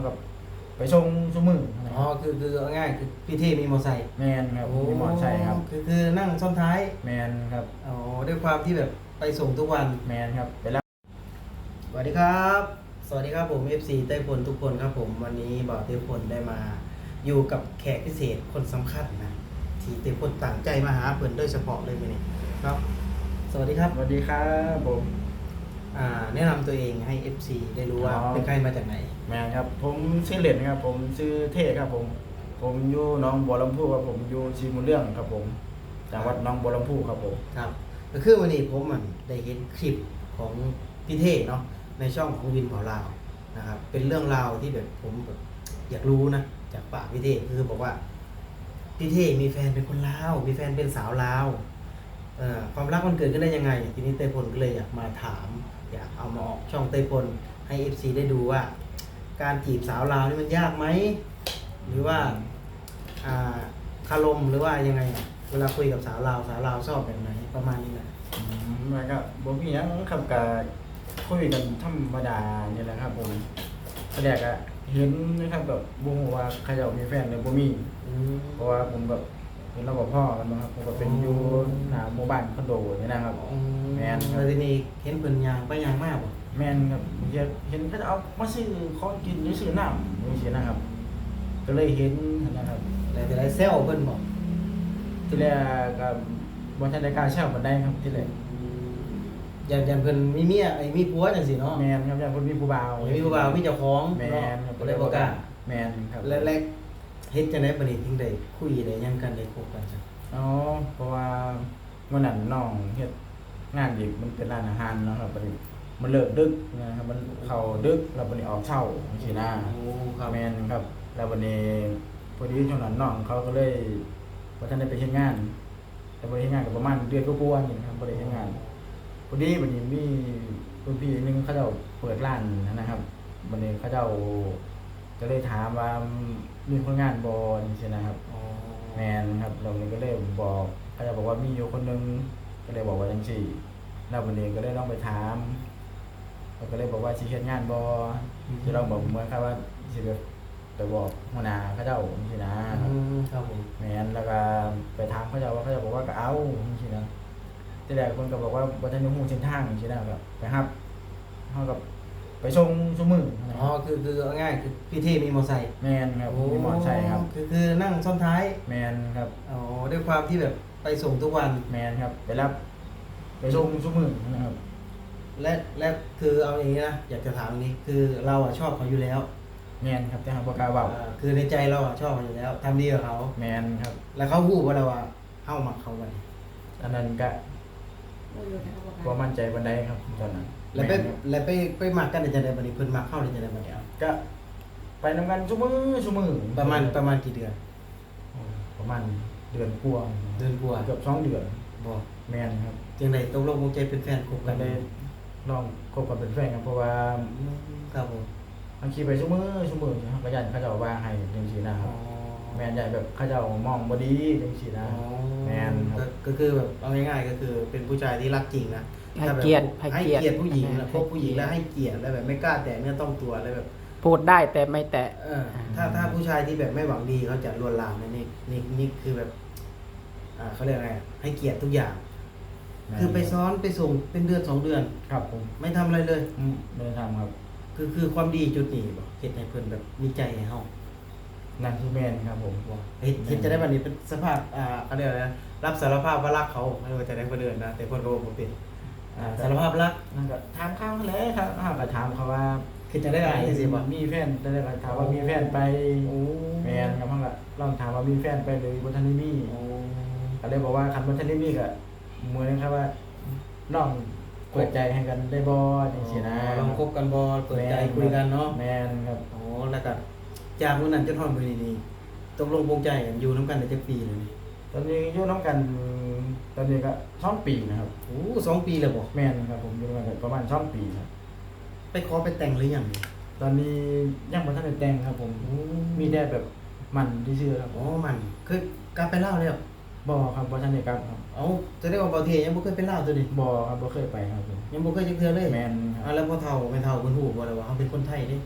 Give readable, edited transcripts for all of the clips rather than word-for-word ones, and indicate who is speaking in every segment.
Speaker 1: กับไปส่งซุมื้อนะ
Speaker 2: อ๋อคือเอาง่ายคือพี่เท่มีมอไซค์
Speaker 1: แม่นครับมีมอไซค์ครับ
Speaker 2: คือนั่งซ้อนท้าย
Speaker 1: แม่นครับ
Speaker 2: อ๋อด้วยความที่แบบไปส่งทุกวัน
Speaker 1: แม่นครับไปรับ
Speaker 2: สวัสดีครับสวัสดีครับผม FC ไต้พลทุกคนครับผมวันนี้บ่าวไต้พลได้มาอยู่กับแขกพิเศษคนสำคัญนะที่ไต้พลตั้งใจมาหาเพิ่นโดยเฉพาะเลยมื้อนี้เนาะสวัสดีครับ
Speaker 1: สวัสดีครับผม
Speaker 2: แนะนำตัวเองให้ FC ได้รู้ว่าเป็นใครมาจากไหน
Speaker 1: แม่นครับผมชื่อเหรียญครับผมชื่อเท่ครับผมอยู่หนองบัวลำพูครับผมอยู่ชีมุนเรื่องครับผมจังหวัดหนองบัวลำพูครับผม
Speaker 2: ครับก็คือวันนี้ผมได้เห็นคลิปของพี่เท่เนาะในช่องของวินเผาลาวนะครับเป็นเรื่องราวที่แบบผมแบบอยากรู้นะจากปากพี่เท่คือบอกว่าพี่เท่มีแฟนเป็นคนลาวมีแฟนเป็นสาวลาวความรักมันเกิดขึ้นได้ยังไงทีนี้เต้พลก็เลยอยากมาถามอยากเอามาออกช่องเต้พลให้ FC ได้ดูว่าการจีบสาวลาวนี่มันยากไหมหรือว่าคารมหรือว่ายังไงเวลาคุยกับสาวลาวชอบแบบไหนประมาณนี้นะ
Speaker 1: แล้วก็บ่มีหยังครับก็คุยกันธรรมดานี่แหละครับผมแรกก็เห็นนะครับแบบบ่ฮู้ว่าเขาเจ้ามีแฟนหรือบ่มีเพราะว่าผมแบบเห็นเรากับพ่อกันนะครับผมก็เป็นอยู่หน้าหมู่บ้านคอนโดนี่นะครับแม่นครั
Speaker 2: แล้ว
Speaker 1: บ
Speaker 2: ทีนี้เห็นเพิ่นยางไปยางมากบ่
Speaker 1: แม่นครับเห็นเขาจะเอามาซื้อของกินหรือซื้อน้ำจังซี่นะครับก็เลยเห็นนะครับ
Speaker 2: แล้วแต่ได้เซลเพิ่นบอก
Speaker 1: ที่แรกก็บ่ทันได้กล้าเช่าปานใดครับที่แรก
Speaker 2: อย่างเพิ่นมีเมียมีผัวจังซี่เนาะ
Speaker 1: แม่นครับอย่างเพิ่นมีผู้บ่าว
Speaker 2: มีผู้บ่าวมีเจ้าของ
Speaker 1: แม่นครับ
Speaker 2: ก็เลยบ่กล้า
Speaker 1: แม่นครับ
Speaker 2: แรกๆเฮ็ดจังได๋บัดนี้ถึงได้คุยได้หยังกันได้คบกันจ้ะ
Speaker 1: อ๋อเพราะว่าวันนั้นน้องเฮ็ดงานอีกมันเป็นร้านอาหารเนาะครับบัดนี้มันเลิกดึกนะครับมันเข้าดึกแล้วบัดนี้ออกเช้าจังซี่นะ
Speaker 2: โอ้ครับ
Speaker 1: แม่นครับแล้วบัดนี้พอดีช่วงนั้นน้องเขาก็เลยบ่ทันได้ไปเฮ็ดงานแต่บ่ได้เฮ็ดงานก็ประมาณเดือนกว่าๆนี่ครับบ่ได้เฮ็ดงานพอดีบัดนี้มีรุ่นพี่นึงเขาเจ้าเปิดร้านนะครับบัดนี้เขาเจ้าก็เลยถามว่ามีคนงานบ่จังซี่นะครับ
Speaker 2: อ๋อ
Speaker 1: แม่นครับเราก็เลยบอกเขาจะบอกว่ามีอยู่คนนึงก็เลยบอกว่าจังซี่แล้ววันนี้ก็เลยลองไปถามเขาก็เลยบอกว่าสิเฮ็ดงานบ่สิลองบอกเหมือนครับว่าสิแบบไปบอกหัวหน้าเขาเจ้าจังซี่นะครับ
Speaker 2: ผม
Speaker 1: แม่นแล้วก็ไปถามเขาเจ้าว่าเขาจะบอกว่าก็เอาจังซี่นะทีแรกคนก็บอกว่าบ่ทันได้ฮู้เส้นทางจังซี่นะครับไปรับเฮากับไปส่งซุมื้อ
Speaker 2: อ๋อคือเอาง่ายคือพี่เท่มีมอไซค์
Speaker 1: แม่นครับมีมอไซค์ครับ
Speaker 2: คือนั่งซ้อนท้าย
Speaker 1: แม่นครับ
Speaker 2: อ๋อด้วยความที่แบบไปส่งทุกวัน
Speaker 1: แม่นครับไปรับไปส่งซุมื้อนะครับ
Speaker 2: และคือเอาอย่างนี้นะอยากจะถามอย่างนี้คือเราชอบเขาอยู่แล้ว
Speaker 1: แม่นครับแต่หาบ่กล้าเว้า
Speaker 2: คือในใจเราชอบเขาอยู่แล้วทำดีกับเขา
Speaker 1: แม่นครับ
Speaker 2: แล้วเขาพูดว่าเราเฮ้ามักเขาบัดนี้
Speaker 1: อันนั้นก็บ่มั่นใจปานใดครับตอนนั้น
Speaker 2: แล้วไปมักกันได้จังได๋บัดนี้เพิ่นมักเฮาได้จังได๋บัดนี้
Speaker 1: ก็ไปนำกันซุมื้อ
Speaker 2: ประมาณกี่เดือน
Speaker 1: ประมาณเดือนกว่า
Speaker 2: เดือนกว่า
Speaker 1: เกือบ2เดือน
Speaker 2: บ่
Speaker 1: แม่นครับ
Speaker 2: จังได๋ตกลงปลงใจเป็นแฟนคบ
Speaker 1: กั
Speaker 2: กัน
Speaker 1: นได้ลองคบกันเป็นแฟนกันเพราะว่า
Speaker 2: ครับผม
Speaker 1: บางทีไปซุมื้อนะครับก็ยันเขาเจ้าว่าให้จังซี่นะครับแม่นใหญ่แบบเขาเจ้ามองบ่ดีจังซี่นะแม่นครับ
Speaker 2: ก็คือแบบเอาง่ายๆก็คือเป็นผู้ชายที่รักจริงนะ
Speaker 3: ให้เกียรติ
Speaker 2: ผู้หญิงนะพบผู้หญิงแล้วให้เกียรติแล้วแบบไม่กล้าแตะเนื้อต้องตัวแล้วแบบ
Speaker 3: พูดได้แต่ไม่แตะ
Speaker 2: ถ้าผู้ชายที่แบบไม่หวังดีเขาจะลวนลามนะนี่คือแบบเขาเรียกอะไรให้เกียรติทุกอย่างคือไปซ้อนไปส่งเป็นเดือน2 เดือน
Speaker 1: ครับผม
Speaker 2: ไม่ทำอะไรเลย
Speaker 1: ไม่ได้ทำครับ
Speaker 2: คือความดีจุดนี้บ่เฮ็ดให้เพิ่นแบบมีใจให้เฮา
Speaker 1: นั่นคือแม่นครับผม
Speaker 2: เฮ็ดจะได้บัดนี้เป็นสภาพเขาเรียกอะไรนะรับสารภาพว่ารักเขาไม่ว่าจะได้บ่เดินนะแต่เพิ่นก็บ่เป็นสารภาพรัก
Speaker 1: นั่นก็ถามเขาเลยครับเฮาก็ถามเขาว่า
Speaker 2: คือจะได้อะไรจังซี่บ่
Speaker 1: มีแฟนได้ก็ถามว่ามีแฟนไปแม่นครับเฮาก็ลองถามว่ามีแฟนไปหรือบ่ทันได้มีก็เลยบอกว่าคันบ่ทันได้มีก็เหมือนครับว่าลองเปิดใจให้กันได้บ่จังซี่นะ
Speaker 2: ลองคบกันบ่เปิดใจคุยกันเนาะ
Speaker 1: แม่นครับ
Speaker 2: อ๋อแล้วก็จากมื้อนั้นจนฮอดมื้อนี้ตกลงปลงใจกันอยู่นำกันได้จักปีแล้วนี่
Speaker 1: ตอนนี้อยู่นำกันตอนนี้ก็2ปีนะครับ
Speaker 2: โอ้2 ปีแล้วบ่
Speaker 1: แม่นครับผมอยู่นำกันประมาณ2ปีครับ
Speaker 2: ไปขอไปแต่งหรือยัง
Speaker 1: ตอนนี้ยังบ่ทันได้แต่งครับผมมีแต่แบบมันซื่อๆครับ
Speaker 2: อ๋อมันเคยกลับไปลาวแล้ว
Speaker 1: บ่ครับบ่ทันได้กลับครับ
Speaker 2: เอ้าแสดงว่าบ่าวเทยังบ่เคยไปลาวตัวนี้
Speaker 1: บ่ครับบ่เคยไปครับผม
Speaker 2: ยังบ่เคยจักเทื่อเลย
Speaker 1: แม่นครับ
Speaker 2: แล้วพ่อเฒ่าแม่เฒ่าเพิ่นฮู้บ่ล่ะว่าเฮาเป็นคนไทยเด้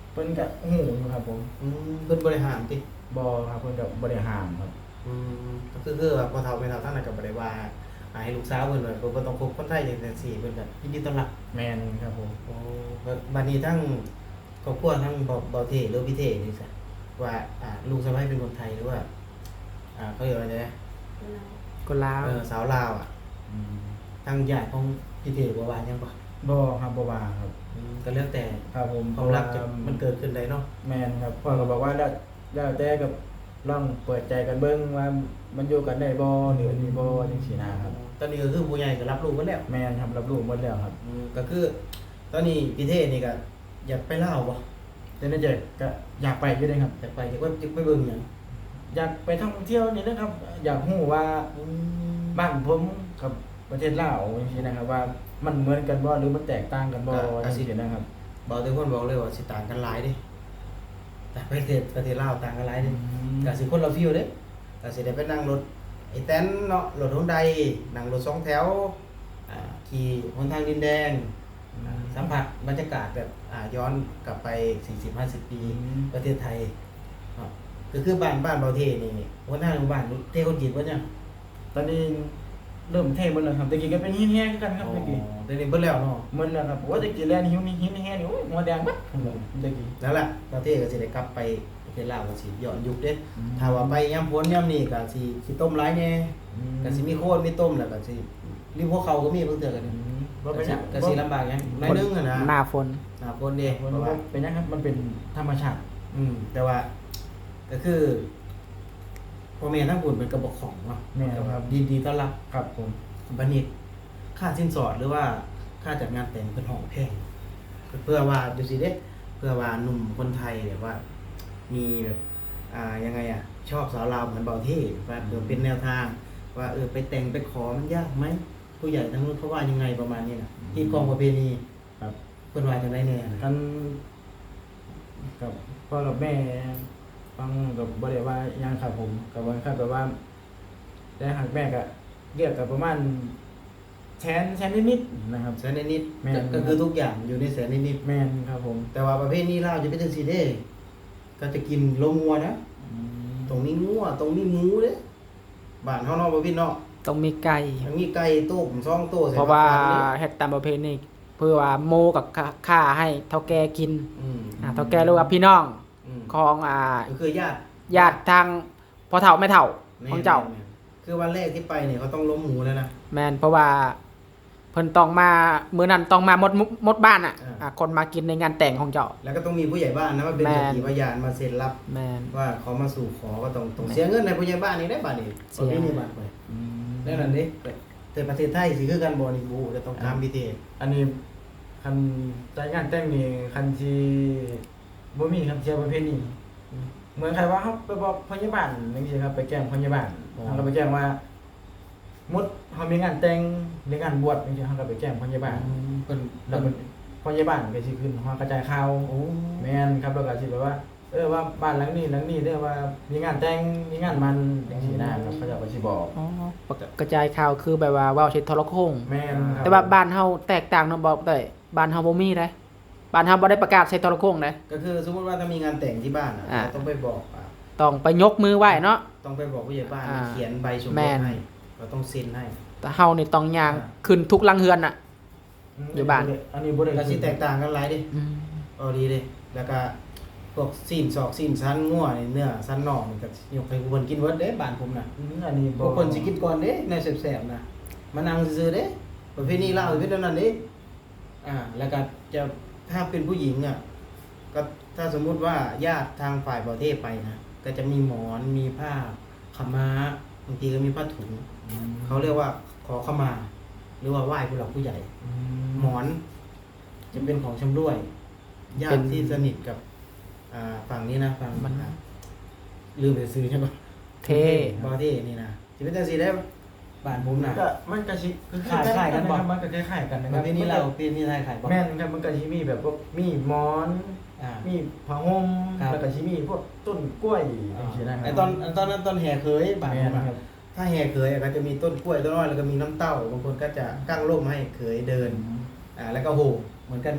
Speaker 1: เพิ่นก็ฮู้อยู่ครับผม
Speaker 2: เพิ่นบริหารติ
Speaker 1: บ่ครับเพิ่นก็บ่ได้ห้ามครับ
Speaker 2: ก็คือแบบพอเฒ่าไม่เฒ่าทั้งนั้นก็บ่ได้ว่าให้ลูกสาวเพิ่นว่าเพิ่นบ่ต้องคบคนไทยจังซี่เพิ่นก็ยินดีต้อนรับ
Speaker 1: แม่นครับผม
Speaker 2: โอ้บัดนี้ทั้งครอบครัวทั้งบ่เทหรือพี่เทนี่ซะว่าลูกสะใภ้เป็นคนไทยหรือว่าเขาเรียกว่าไงนะ
Speaker 3: คนลาว
Speaker 2: สาวลาว
Speaker 1: อืม
Speaker 2: ทางญาติของพี่เทบ่ว่าหยังบ่
Speaker 1: บ่ครับบ่ว่าครับ
Speaker 2: ก็แล้วแต่
Speaker 1: ครับผม
Speaker 2: ความรักจะมันเกิดขึ้นได้เนาะ
Speaker 1: แม่นครับพ่อก็บอกว่าแล้วแต่กับลองเปิดใจกันเบิ่งว่ามันอยู่กันได้บ่หรือมีบ่จังซี่นะครับ
Speaker 2: ตอนนี้ก็คือผู้ใหญ่ก็รับรู้กันแล้ว
Speaker 1: แม่นครับรับรู้หมดแล้วครับ
Speaker 2: ก็คือ ตอนนี้พี่เทนี่ก็อยากไปลาวบ่
Speaker 1: แต่ในใจก็อยากไปอยู่เด้ครับ
Speaker 2: อยากไปไปเบิ่งหยัง
Speaker 1: อยากไปท่องเที่ยวนี่นะครับ อยากรู้ว่าบ้านผมกับประเทศลาวจังซี่นะครับว่ามันเหมือนกันบ่หรือมันแตกต่างกันบ่จังซี่นะครับ
Speaker 2: บอกทุกคนบอกเลยว่าสิต่างกันหลายเด้แต่ประเทศลาวต่างกันหลายเด้ก็สิคนละฟีลเด้ก็สิได้ไปนั่งรถไอ้แตนเนาะรถ Hyundai นั่งรถ2แถวขี่หนทางดินแดงสัมผัสบรรยากาศแบบย้อนกลับไป 40-50 ปีประเทศไทยเนาะก็คือบ้านเบาเทนี่หัวหน้าหมู่บ้านเทคนจีนบ่เนี่ย
Speaker 1: ตอนนี้เริ่มเท่หมดแล้วครับตะกี้ก็เป็นหินแห้งคือกันครับตะกี้
Speaker 2: เดี๋ยวนี้เบิดแล้วเนาะ
Speaker 1: หมดแล้วครับว่าตะกี้แลนหิวนี่หินแห้งนี่โอ้ยหัวแดงบัดตะกี้
Speaker 2: นั่นแหละประเทศก็สิได้กลับไปประเทศลาวก็สิย้อนยุคเด้ถ้าว่าไปยามพ้นยามนี้ก็สิต้มหลายแน่ก็สิมีโคตรมีต้มแล้วก็สิริมหัวเขาก็มีเพิ่นเตือนกันนี่
Speaker 1: ว่าเป็นหยัง
Speaker 2: ก็สิลำบากหยังน้อยนึงอะนะ
Speaker 3: หน้าฝน
Speaker 2: หน้าฝนเด้เพ
Speaker 1: ว่า
Speaker 2: ราะว่า
Speaker 1: เป็นหยังครับมันเป็นธรรมชาติ
Speaker 2: แต่ว่าก็คือพ่อแม่ทั้งบุญเป็นกระบอกของเนาะ
Speaker 1: แม่ครับ
Speaker 2: ดีต้อนรับ
Speaker 1: ครับผม
Speaker 2: บัดนี้ค่าสินสอดหรือว่าค่าจัดงานแต่งเป็นห้องแพงเพื่อว่าดูสิเด้เพื่อว่าหนุ่มคนไทยแบบว่า มีแบบยังไงชอบสาวลาวเหมือนเบาเท่ว่าเป็นแนวทาง ว่าไปแต่งไปขอมันยากไหมผู้ใหญ่ทั้งนู้นเขาว่ายังไงประมาณนี้นะที่กองประเพณี
Speaker 1: ครับ
Speaker 2: เพิ่นว่าจังได๋แน่นะ
Speaker 1: กันกับพ่อกับแม่ฟังกับบ่ได้ว่าหยังครับผมกับว่าครับแบบว่าแต่หากแม่ก็เรียกกับประมาณแสนนิดๆนะครับ
Speaker 2: แสนนิด
Speaker 1: แม่น
Speaker 2: ก็คือทุกอย่างอยู่ในแสนนิด
Speaker 1: แม่นครับผม
Speaker 2: แต่ว่าประเภทนี้ลาวจะเป็นจังซี่เด้ก็จะกินโลงัวนะตรงนี้งัวตรงนี้หมูเด้บ้านเฮาเนาะบ่พี่เนาะ
Speaker 3: ต้องมีไก่
Speaker 2: อันนี้ไก่ต้ม2ตัวใส่
Speaker 3: เพราะว่า
Speaker 2: ผักกดนี่
Speaker 3: เฮ็ดตามประเพณีเพื่อว่าโมกับข้าให้เฒ่าแก่กิน
Speaker 2: อืม
Speaker 3: เฒ่าแก่หรือว่าพี่น้อง
Speaker 2: อืม
Speaker 3: ของ
Speaker 2: ก็คือญาติ
Speaker 3: ญาติทางพ่อเฒ่าแม่เฒ่าของเจ้า
Speaker 2: แม่นคือวันแรกที่ไปเนี่ยเขาต้องล้มหมูแล้วนะ
Speaker 3: แม่นเพราะว่าเพิ่นต้องมามื้อนั้นต้องมาหมดบ้านคนมากินในงานแต่งของเจ้า
Speaker 2: แล้วก็ต้องมีผู้ใหญ่บ้านนะมาเป็น
Speaker 3: แม่น
Speaker 2: สักขีพยานมาเซ็นรับ
Speaker 3: แม่น
Speaker 2: ว่าเขามาสู่ขอก็ต้องเสียเงินในผู้ใหญ่บ้านนี่ได้บาทนี่
Speaker 3: เสีย
Speaker 2: นี่บาทไปได้นั่นนี่แต่ประเทศไทยสิคือกันบ่นี่บูจะต้องตามพิธี
Speaker 1: อันนี้คันจัดงานแต่งนี่คันที่บ่มีครับเชียร์ประเภทนี้เหมือนใครว่าเขาไปบอกพยาบาลจังซี่ครับไปแจ้งพยาบาลเขาก็ไปแจ้งว่ามุดเขามีงานแต่งหรืองานบวชจังซี่เขาก็ไปแจ้งพยาบาล
Speaker 2: เพิ่น
Speaker 1: แล้วมันพยาบาลก็สิขึ้นฮอกระจายข่าว
Speaker 2: โอ้
Speaker 1: แม่นครับแล้วก็สิแบบว่าว่าบ้านหลังนี้เด้อว่ามีงานแต่งมีงานมันจังซี่นะครับเขาเจะก็สิบอก
Speaker 3: อ๋อกระจายข่าวคือแบบว่าเว้าใช้โทรโข่ง
Speaker 1: แม่นครับ
Speaker 3: แต่ว่าบ้านเฮาแตกต่างเนาะบอกได้บ้านเฮาบ่มีเด้บ้านเฮาบ่ได้ประกาศใช้โทรโข่งเด้
Speaker 2: ก็คือสมมุติว่าถ้ามีงานแต่งที่บ้าน
Speaker 3: อ่า
Speaker 2: ต้องไปบอก
Speaker 3: ต้องไปยกมือไหว้เนาะ
Speaker 2: ต้องไปบอกผู้ใหญ่บ้าน
Speaker 3: อ่า
Speaker 2: เขียนใบสม
Speaker 3: แม่
Speaker 2: รส
Speaker 3: น
Speaker 2: ให้เราต้องเซ็นให้
Speaker 3: แต่เฮานี่ต้องย่างขึ้นทุกหลังเฮือนน่ะ อยู่บ้าน
Speaker 1: อันนี้บ่ได้
Speaker 2: ก็สิแตกต่างกันหลายเดิ
Speaker 3: อืม
Speaker 2: เอาดีเด้แล้วก็พวกซีนศอกซีนสันงัวนี่เนื้อสันนอกนี่ก็ยกให้ผู้เพิ่นกินเบิดเด้บ้านผมน่ะ
Speaker 1: อันนี้
Speaker 2: พวกเพิ่นสิกินก่อนเด้ในแซ่บๆนะมานั่งซื่อๆเด้ประเพณีลาวสิเป็นแบบนั้นเด้แล้วก็จะถ้าเป็นผู้หญิงก็ถ้าสมมุติว่าญาติทางฝ่ายประเทศไปนะก็จะมีหมอนมีผ้าขาวม้าบางทีก็มีผ้าถุงเขาเรียกว่าขอขมา หรือว่าไหว้ผู้หลักผู้ใหญ่ หมอน จะเป็นของชำร่วยญาติที่สนิทกับฝั่งนี้นะฝั่ง
Speaker 3: มัน
Speaker 2: ลืมไปซื้อใช่ปะ
Speaker 3: เท่
Speaker 2: บอที่นี่นะสิเป็นจังซี่ได้บ้านผมน่ะ
Speaker 1: ก็มันก็สิ
Speaker 2: คล้ายๆกันบ่
Speaker 1: มันก็คล้ายๆกันนะค
Speaker 2: ป
Speaker 1: รับ
Speaker 2: ระเพณีเราประเพณีไทยขายบ่
Speaker 1: แม่นครับมันก็สิมีแบบว่ามีหมอน
Speaker 2: อ่า
Speaker 1: มีผ้าห่ม
Speaker 2: ครับ
Speaker 1: แล้วก็สิมีพวกต้นกล้วยจังซี่นะครั
Speaker 2: ไอ้ตอนนั้นตอนแห่เคยบ้าน
Speaker 1: แม่
Speaker 2: ผม
Speaker 1: น
Speaker 2: อะ
Speaker 1: ครับ
Speaker 2: ถ้าแห่เคยก็จะมีต้นกล้วยต้นอ้อยแล้วก็มีน้ำเต้าบางคนก็จะกั้งร่มให้เคยเดินแล้วก็โหเหมือนกันไหม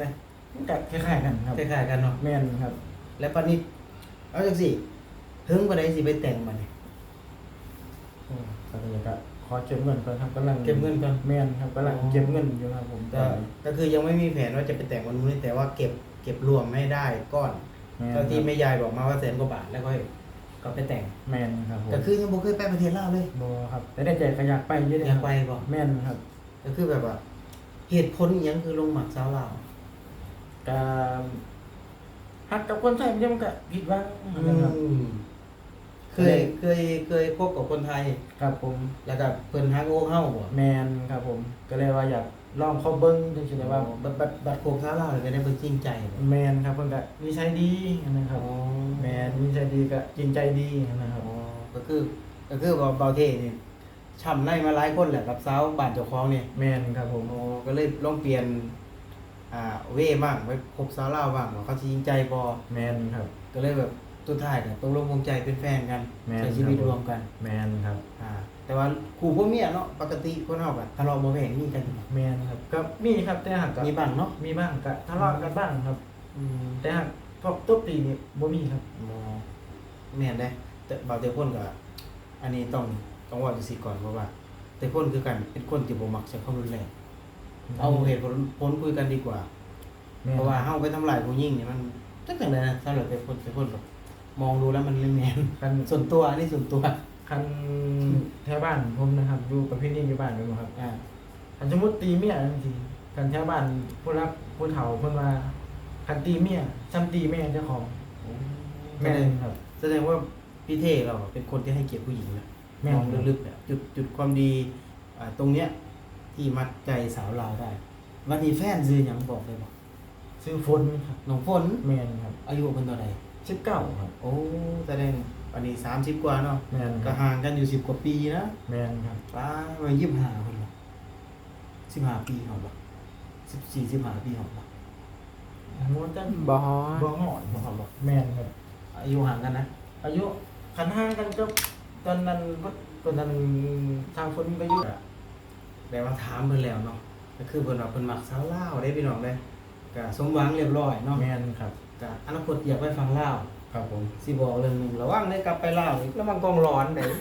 Speaker 1: มันก็คล้ายๆกันครับ
Speaker 2: คล้ายๆกันเนาะ
Speaker 1: แม่นครับ
Speaker 2: และปานนี้เอาจังซี่ถึงบ่ได้สิไปแต่งมันนี่
Speaker 1: ตอนนี้ก็ขอเก็บเงินก่อนครับกำลัง
Speaker 2: เก็บเงินก่อน
Speaker 1: แม่นครับกำลังเก็บเงินอยู่ครับผม
Speaker 2: ก็คือยังไม่มีแผนว่าจะไปแต่งวันนู้นแต่ว่าเก็บรวมให้ได้ก้อน
Speaker 1: แม่น
Speaker 2: ก็ที่แม่ยายบอกมาว่าแสนกว่าบาทแล้วก็ไปแต่ง
Speaker 1: แม่นครับผม
Speaker 2: ก็คือยังบ่เคยไปประเทศลาวเลย
Speaker 1: บ่ครับแต่ได้ใจก็อยากไปอยู่เด้
Speaker 2: อยากไปบ่
Speaker 1: แม่นครับ
Speaker 2: ก็คือแบบว่าเหตุผลอิหยังคือลงหมักสาวลาว
Speaker 1: ก็ฮักกับคนไทยมันก็ผิดหวังนะครับ
Speaker 2: เคยคบกับคนไทย
Speaker 1: ครับผม
Speaker 2: แล้วก็เพิ่นฮักโอ้เฮาบ่
Speaker 1: แม่นครับผมก็เลยว่าอยากลองเข้าเบิ่งจังซี่ได้ว่า
Speaker 2: บัดโคกสาวลาวเลยก็ได้เพิ่นจริงใจบ่
Speaker 1: แม่นครับเพิ่นก็นิสัยดีนะครับ แม่นนิสัยดีก็จริงใจดีนะครับ
Speaker 2: ก็คือว่าเบาเท่นี่ช้ำในมาหลายคนแหละกับสาวบ้านเจ้าของนี่
Speaker 1: แม่นครับผม
Speaker 2: ก็เลยลองเปลี่ยนเว่บ้างไปคบสาวลาวบ้างว่าเขาสิจริงใจบ่
Speaker 1: แม่นครับ
Speaker 2: ก็เลยแบบสุดท้ายก็ตกลงปลงใจเป็นแฟนกัน
Speaker 1: แม่น
Speaker 2: ใช้ชีวิต
Speaker 1: ครับ
Speaker 2: รวมกัน
Speaker 1: แม่นครับ
Speaker 2: แต่ว่าคู่ผัวเมียเนาะปกติคนเฮาก็ทะเลาะเบาะแว้งมีกันอยู่
Speaker 1: แม่นครับก็มีครับแต่หากก็
Speaker 2: มีบ้างเนาะ
Speaker 1: มีบ้างก็ทะเลาะกันบ้างครับ แต่หากพวกตบตีนี่บ่มีครับ
Speaker 2: แม่นได้แต่บางแต่คนก็อันนี้ต้องว่าจังซี่ก่อนเพราะว่า แต่คนคือกันเป็นคนที่บ่มักใช้ความรุนแรงเอาเหตุผลคุยกันดีกว่า
Speaker 1: แม่น
Speaker 2: เพราะว่าเฮาไปทำลายผู้หญิงนี่มันจักจังไดนะสำหรับแต่คนแบบมองดูแล้วมันไม่แม่น
Speaker 1: คัน
Speaker 2: ส่วนตัวอันนี้ส่วนตัว
Speaker 1: คันแถวบ้านผมนะครับอยู่ประเภทนี้อยู่บ้านอยู่ครับ
Speaker 2: อ่า
Speaker 1: คันสมมุติตีเมียจังซี่คันแถวบ้านผู้รับผู้เฒ่าเพิ่นว่าคันตีเมียซ้ำตีแม่เจ้าของแม่นครับ
Speaker 2: แสดงว่าพี่เท่เราเป็นคนที่ให้เกียรติผู้หญิงนะ
Speaker 1: แม่น
Speaker 2: มองลึกๆเนี่ยจุดความดีตรงเนี้ยที่มัดใจสาวลาวได้ วันนี้แฟนซื้อหยังบอกเลยบ่
Speaker 1: ซื้อฝนครับ
Speaker 2: น้องฝน
Speaker 1: แม่นครับ
Speaker 2: อายุเพิ่นเท่าใด
Speaker 1: 19ครับ
Speaker 2: โอ้แสดงวันนี้30กว่าเนาะ
Speaker 1: แม่นค
Speaker 2: ก็
Speaker 1: รับ
Speaker 2: ห่างกันอยู่10กว่าปีนะ
Speaker 1: แม่นครับ
Speaker 2: ป้ามา25เพิ่นบ่15ปีเฮาบ่14 15ปีเฮาบ่
Speaker 1: มวนจัง
Speaker 3: บ่
Speaker 1: บ่ฮอดบ่ครับบ่แม่นครับ
Speaker 2: อายุห่างกันนะ
Speaker 1: อายุคันห่างกันก็ตอนนั้นตอนนั้นทางคนก็อยู่
Speaker 2: แต่ว่าถามเพิ่นแล้วเนาะก็คือเพิ่นว่าเพิ่นมักสาวลาวได้พี่น้องเด้ก็สมหวังเรียบร้อยเนาะ
Speaker 1: แม่นครับ
Speaker 2: ก็อนาคตอยากไปฟังลาว
Speaker 1: ครับผม
Speaker 2: สิบอกเรื่องหนึงระวังได้กลับไปลาวอีกแล้วมันกองร้อนได้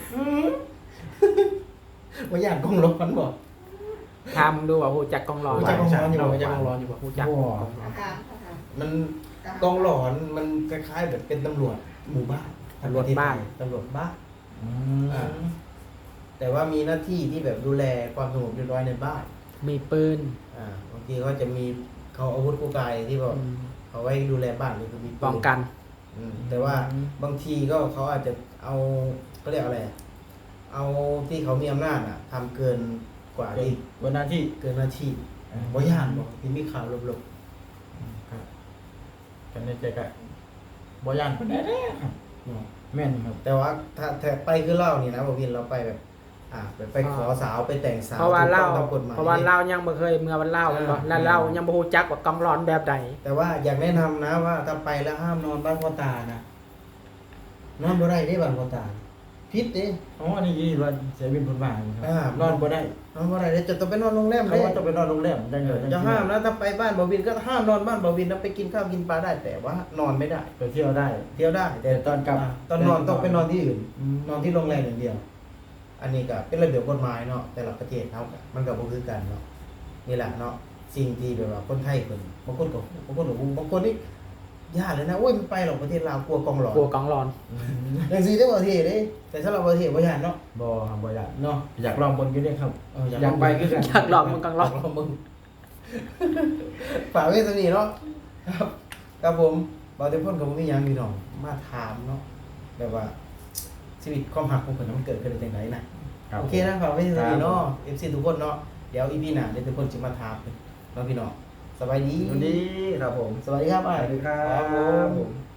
Speaker 2: บ่อยากกองร้อนบ่
Speaker 3: ถามดูว่าฮู้จักกองร้อน
Speaker 2: รู้จักกองร้อนอยู่บ่รู้จักกองร้อนอยู่บ่
Speaker 3: ฮู้จัก
Speaker 2: มันกองร้อนมันคล้ายๆแบบเป็นตำรวจหมู่บ้าน
Speaker 3: ตำรวจบ้าน
Speaker 2: ตำรวจบ้าน
Speaker 1: อื
Speaker 2: อ่า แต่ว่ามีหน้าที่ที่แบบดูแลความสงบเรียบร้อยในบ้าน
Speaker 3: มีปืน
Speaker 2: บางทีเขาจะมีเขาอาวุธคู่กายที่แบบเอาไว้ดูแลบ้านหรือคือมีปืน
Speaker 3: ป้องกัน
Speaker 2: แต่ว่าบางทีก็เขาอาจจะเอาเขาเรียกอะไรอะเอาที่เขามีอำนาจทำเกินกว่าที่
Speaker 1: วันหน้าที่
Speaker 2: เกินหน้าที่บ่ย่านบ่ที่มีข่าวลบ
Speaker 1: ครับกันในใจก็บ่ย่านปานใดเด้อครับ
Speaker 2: ๆเนาะ
Speaker 1: แม่นครับ
Speaker 2: แต่ว่าถ้าไปคือเล่านี่นะบ่วินเราไปแบบไปขอสาวไปแต่งสาว
Speaker 3: เพราะว่า
Speaker 2: ถูก
Speaker 3: เรา
Speaker 2: ต้องตามกฎหมาย
Speaker 3: เพราะว่าเรายังบ่เคยเมื่อวันเล่าแม่นบ่
Speaker 2: อ่า
Speaker 3: แล้วเรายังบ่ฮู้จักว่ากองร้อนแบบใด
Speaker 2: แต่ว่าอยากแนะนำนะว่าถ้าไปแล้วห้ามนอนบ้านพ่อตานะนอนบ่ได้ได้บ้านพ่อตาผิดเด้
Speaker 1: อ๋ออันนี้ว่าเสียวินผลบางครับ
Speaker 2: อ่าน
Speaker 1: อนบ่ได้
Speaker 2: นอนบ่ได้เด้จะต้องไปนอนโรงแรม
Speaker 1: เขา
Speaker 2: เด้
Speaker 1: ว่าต้องไปนอนโรงแรมจังเลย
Speaker 2: จะห้ามนะถ้าไปบ้านบ่วินก็ห้ามนอนบ้านบ่วินนะไปกินข้าวกินปลาได้แต่ว่านอนไม่ได้
Speaker 1: ไปเที่ยวได้
Speaker 2: เที่ยวได้
Speaker 1: แต่ตอนกลับ
Speaker 2: ตอนนอนต้องไปนอนที่อื่น
Speaker 1: อืม
Speaker 2: นอนที่โรงแรมอย่างเดียว อันนี้ก็เป็นระเบียบกฎหมายเนาะแต่ละประเทศเฮาก็มันก็บ่คือกันเนาะนี่แหละเนาะสิ่งที่แบบว่าคนไทยเพิ่นบางคนก็บางคนนี่ยากเลยนะโอ้ยมันไปหรอกประเทศลาวกลัวกองหลอน
Speaker 3: กลัวกองร้อน
Speaker 2: อย่างซี่ได้บ่ประเทศเด้แต่สำหรับประเทศบ่ยานเนาะ
Speaker 1: บ่ครับบ่อยาก
Speaker 2: เนาะ
Speaker 1: อยากลองบนอยู่เนี่ยครับ
Speaker 2: อยาก
Speaker 1: อยากไปคือกัน
Speaker 3: อยากลองมันกองร้อน
Speaker 2: อยากลองมึงฝากไว้ตรงนี้เนาะครับครับผมบ่ได้พ้นก็บ่มีหยังพี่น้องมาถามเนาะแบบว่าชีวิตความรักของเพิ่นมันเกิดขึ้นได้จังไดน่ะ
Speaker 1: รับ
Speaker 2: โอเคนะฝากไว้ตรงนี้เนาะ
Speaker 1: ครับ
Speaker 2: FC ทุกคนเนาะเดี๋ยว EP หน้าเดี๋ยวทุกคนสิมาถามเพิ่นเนาะพี่น้องสบายดี
Speaker 1: สวัสดีครับผม
Speaker 2: สวัสดีครับอ้าย
Speaker 1: สวัสดีครับ
Speaker 2: ผม